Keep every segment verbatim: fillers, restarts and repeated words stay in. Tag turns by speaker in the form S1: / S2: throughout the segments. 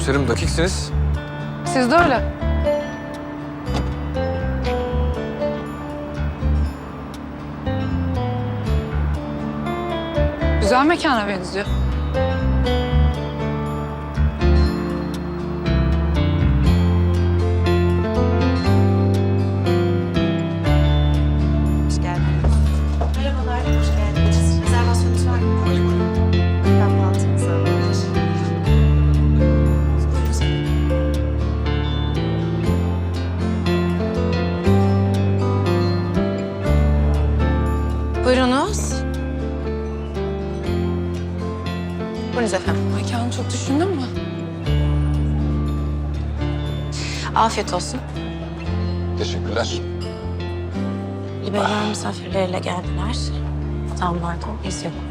S1: Komiserim dakiksiniz.
S2: Siz de öyle. Güzel mekana benziyor.
S3: Hoş geldiniz. Merhabalar, hoş geldiniz. Rezervasyonunuz var mı? Kahvaltınızı alabilir. Buyurunuz. Buyurunuz efendim.
S2: Mekanı çok düşündün mü?
S3: Afiyet olsun.
S1: Teşekkürler.
S3: Liberal misafirleriyle geldiler. Tam vardı, biz yok.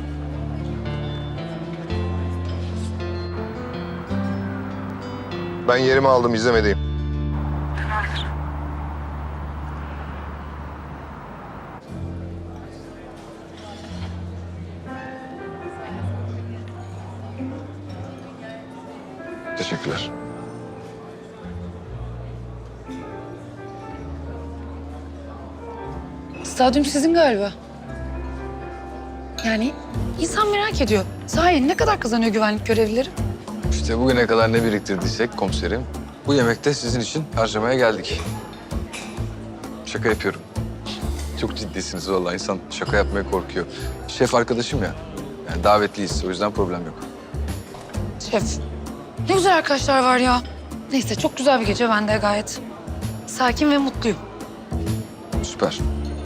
S4: Ben yerimi aldım, izlemedeyim.
S1: Teşekkürler.
S2: Stadyum sizin galiba. Yani insan merak ediyor. Sahi ne kadar kazanıyor güvenlik görevlileri?
S1: İşte bugüne kadar ne biriktirdiysek komiserim, bu yemekte sizin için harcamaya geldik. Şaka yapıyorum. Çok ciddisiniz vallahi, insan şaka yapmaya korkuyor. Şef arkadaşım ya, yani davetliyiz, o yüzden problem yok.
S2: Şef. Ne güzel arkadaşlar var ya. Neyse çok güzel bir gece, ben de gayet sakin ve mutluyum.
S1: Süper.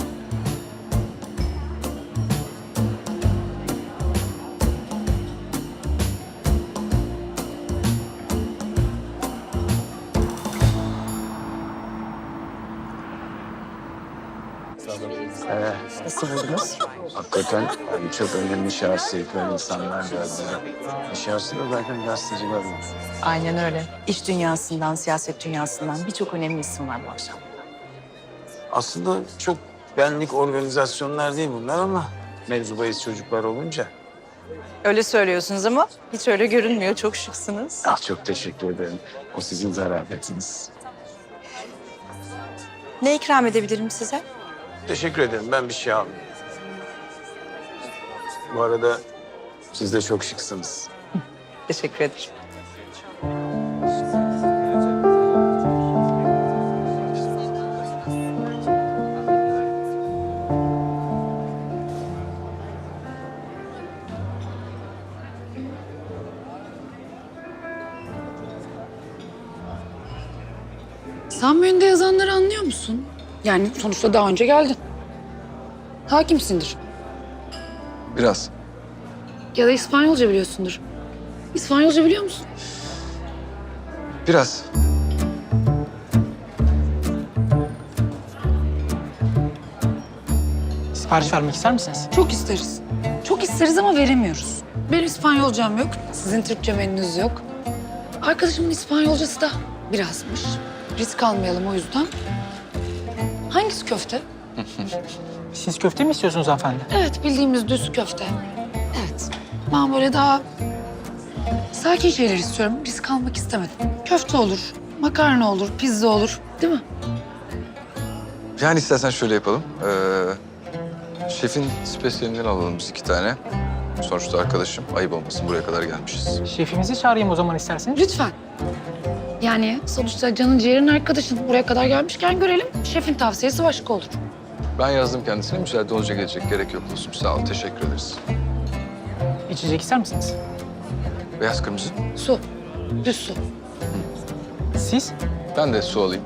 S5: Ee, nasıl buldunuz? Hakikaten yani çok önemli şahsiyetler, insanlar geldiler. Şahsı da zaten gazeteciler var.
S6: Aynen öyle. İş dünyasından, siyaset dünyasından birçok önemli isim var bu akşam.
S5: Aslında çok benlik organizasyonlar değil bunlar ama mevzu bahis çocuklar olunca.
S6: Öyle söylüyorsunuz ama hiç öyle görünmüyor. Çok şıksınız.
S5: Ah çok teşekkür ederim. O sizin zarafetiniz.
S6: Ne ikram edebilirim size?
S5: Teşekkür ederim. Ben bir şey almayayım. Bu arada siz de çok şıksınız.
S6: Teşekkür ederim.
S2: Sen menüde yazanları anlıyor musun? Yani sonuçta daha önce geldin. Hakimsindir.
S1: Biraz.
S2: Ya da İspanyolca biliyorsundur. İspanyolca biliyor musun?
S1: Biraz.
S7: Sipariş vermek ister misiniz?
S2: Çok isteriz. Çok isteriz ama veremiyoruz. Benim İspanyolcam yok, sizin Türkçe menünüz yok. Arkadaşımın İspanyolcası da birazmış. Risk almayalım o yüzden. Hangisi köfte?
S7: Siz köfte mi istiyorsunuz hanımefendi?
S2: Evet, bildiğimiz düz köfte. Evet. Ben böyle daha sakin şeyler istiyorum. Risk almak istemedim. Köfte olur, makarna olur, pizza olur. Değil mi?
S1: Yani istersen şöyle yapalım. Ee, şefin spesiyelinden alalım biz iki tane. Sonuçta arkadaşım, ayıp olmasın, buraya kadar gelmişiz.
S7: Şefimizi çağırayım o zaman isterseniz.
S2: Lütfen. Yani sonuçta canın ciğerin arkadaşın. Buraya kadar gelmişken görelim. Şefin tavsiyesi başka olur.
S1: Ben yazdım kendisine, müsaade olunca gelecek. Gerek yok dostum, sağ ol, teşekkür ederiz.
S7: İçecek ister misiniz?
S1: Beyaz kırmızı.
S2: Su. Düz su.
S7: Siz?
S1: Ben de su alayım.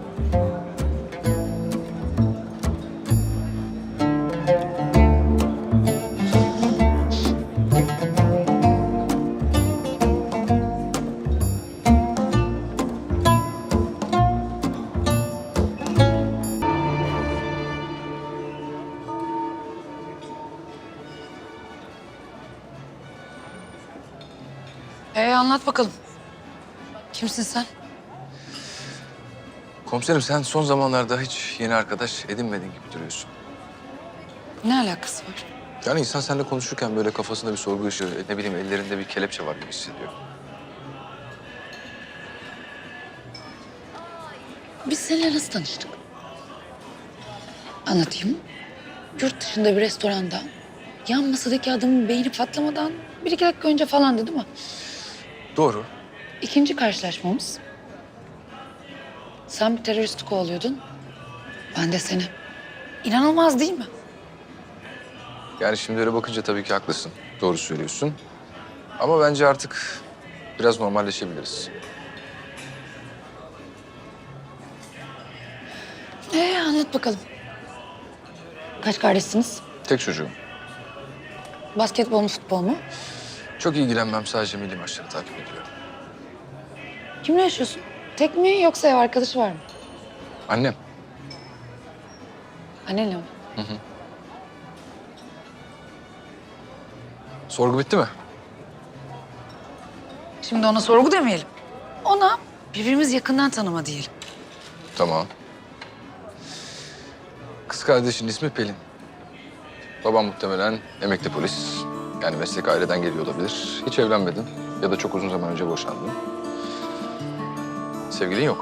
S2: Ee anlat bakalım. Kimsin sen?
S1: Komiserim, sen son zamanlarda hiç yeni arkadaş edinmedin gibi duruyorsun.
S2: Ne alakası var?
S1: Yani insan seninle konuşurken böyle kafasında bir sorgu ışığı, ne bileyim ellerinde bir kelepçe var gibi hissediyor.
S2: Biz seninle nasıl tanıştık? Anlatayım. Yurt dışında bir restoranda yan masadaki adamın beyni patlamadan bir iki dakika önce falandı değil mi?
S1: Doğru.
S2: İkinci karşılaşmamız. Sen bir teröristi kovalıyordun. Ben de seni. İnanılmaz değil mi?
S1: Yani şimdi öyle bakınca tabii ki haklısın. Doğru söylüyorsun. Ama bence artık biraz normalleşebiliriz.
S2: Ee, anlat bakalım. Kaç kardeşsiniz?
S1: Tek çocuğum.
S2: Basketbol mu, futbol mu?
S1: Çok ilgilenmem. Sadece milli maçları takip ediyorum.
S2: Kimle yaşıyorsun? Tek mi yoksa ev arkadaşı var mı?
S1: Annem.
S2: Annenle mi?
S1: Sorgu bitti mi?
S2: Şimdi ona sorgu demeyelim. Ona birbirimizi yakından tanıma diyelim.
S1: Tamam. Kız kardeşin ismi Pelin. Babam muhtemelen emekli polis. Yani meslek aileden geliyor olabilir. Hiç evlenmedin ya da çok uzun zaman önce boşandın. Sevgilin yok.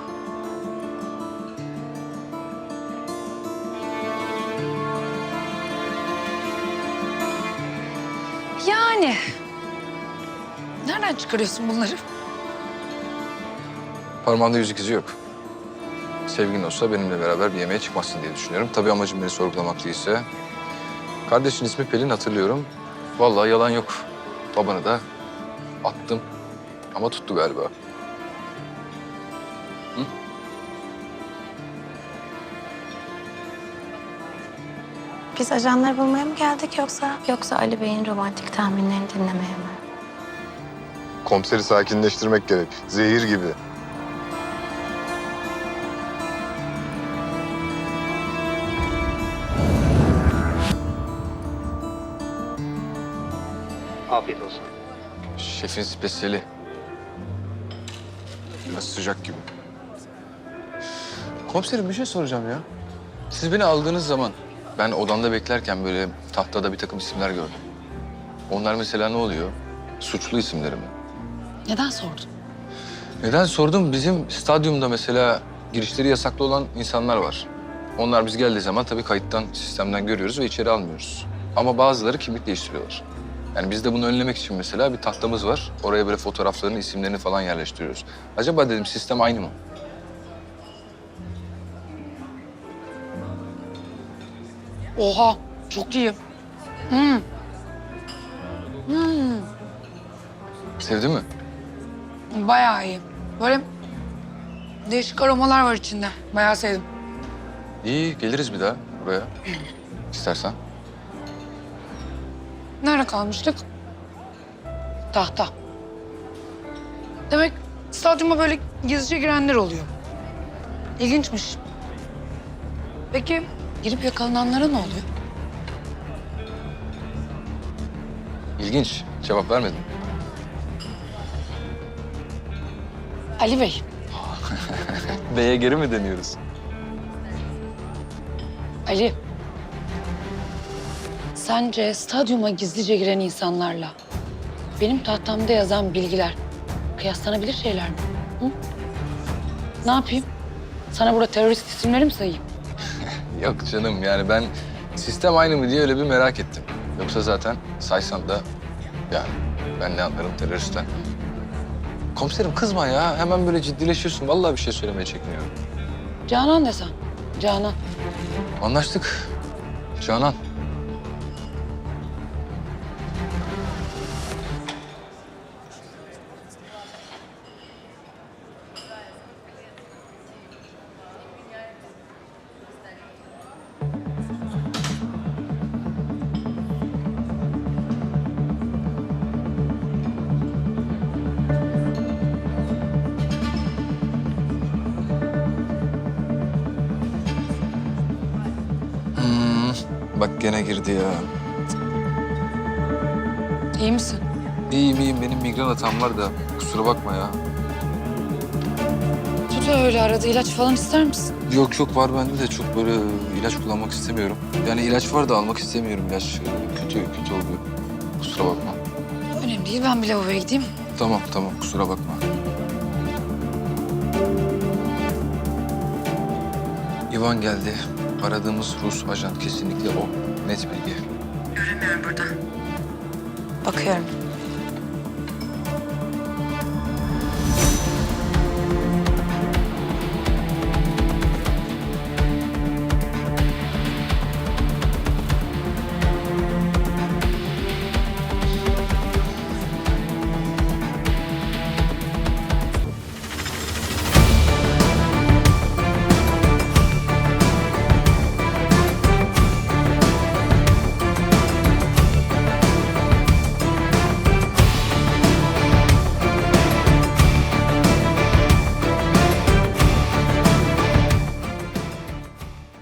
S2: Yani. Nereden çıkarıyorsun bunları?
S1: Parmağında yüzük izi yok. Sevgilin olsa benimle beraber bir yemeğe çıkmazsın diye düşünüyorum. Tabii amacım beni sorgulamak değilse. Kardeşin ismi Pelin, hatırlıyorum. Vallahi yalan yok. Babanı da attım ama tuttu galiba.
S3: Biz ajanları bulmaya mı geldik yoksa yoksa Ali Bey'in romantik tahminlerini dinlemeye mi?
S4: Komiseri sakinleştirmek gerek. Zehir gibi.
S8: Afiyet olsun.
S1: Şefin spesiyeli. Biraz sıcak gibi. Komiserim bir şey soracağım ya. Siz beni aldığınız zaman ben odamda beklerken böyle tahtada bir takım isimler gördüm. Onlar mesela ne oluyor? Suçlu isimleri mi?
S2: Neden sordun?
S1: Neden sordum? Bizim stadyumda mesela girişleri yasaklı olan insanlar var. Onlar biz geldiği zaman tabii kayıttan, sistemden görüyoruz ve içeri almıyoruz. Ama bazıları kimlik değiştiriyorlar. Yani biz de bunu önlemek için mesela bir tahtamız var. Oraya böyle fotoğraflarını, isimlerini falan yerleştiriyoruz. Acaba dedim sistem aynı mı?
S2: Oha, çok iyi. Hmm. Hmm.
S1: Sevdin mi?
S2: Bayağı iyi. Böyle değişik aromalar var içinde. Bayağı sevdim.
S1: İyi, geliriz bir daha buraya. İstersen.
S2: Nerede kalmıştık? Tahta. Demek stadyuma böyle gizlice girenler oluyor. İlginçmiş. Peki girip yakalananlara ne oluyor?
S1: İlginç. Cevap vermedin.
S2: Ali Bey,
S1: B'ye geri mi deniyoruz?
S2: Ali. Sence stadyuma gizlice giren insanlarla benim tahtamda yazan bilgiler kıyaslanabilir şeyler mi? Hı? Ne yapayım? Sana burada terörist isimleri mi sayayım?
S1: Yok canım, yani ben sistem aynı mı diye öyle bir merak ettim. Yoksa zaten saysan da yani ben ne anlarım teröristten. Komiserim kızma ya. Hemen böyle ciddileşiyorsun. Vallahi bir şey söylemeye çekiniyorum.
S2: Canan desen. Canan.
S1: Anlaştık. Canan. Hmm, bak gene girdi ya.
S2: İyi misin?
S1: İyiyim iyiyim. Benim migren hatam var da kusura bakma ya.
S2: Tut öyle arada ilaç falan ister misin?
S1: Yok yok, var bende de çok böyle ilaç kullanmak istemiyorum. Yani ilaç var da almak istemiyorum. İlaç kötü kötü oluyor. Kusura bakma.
S2: Önemli değil, ben bir lavaboya gideyim.
S1: Tamam tamam, kusura bakma. İvan geldi. Aradığımız Rus ajan kesinlikle o. Net bilgi.
S6: Bakıyorum.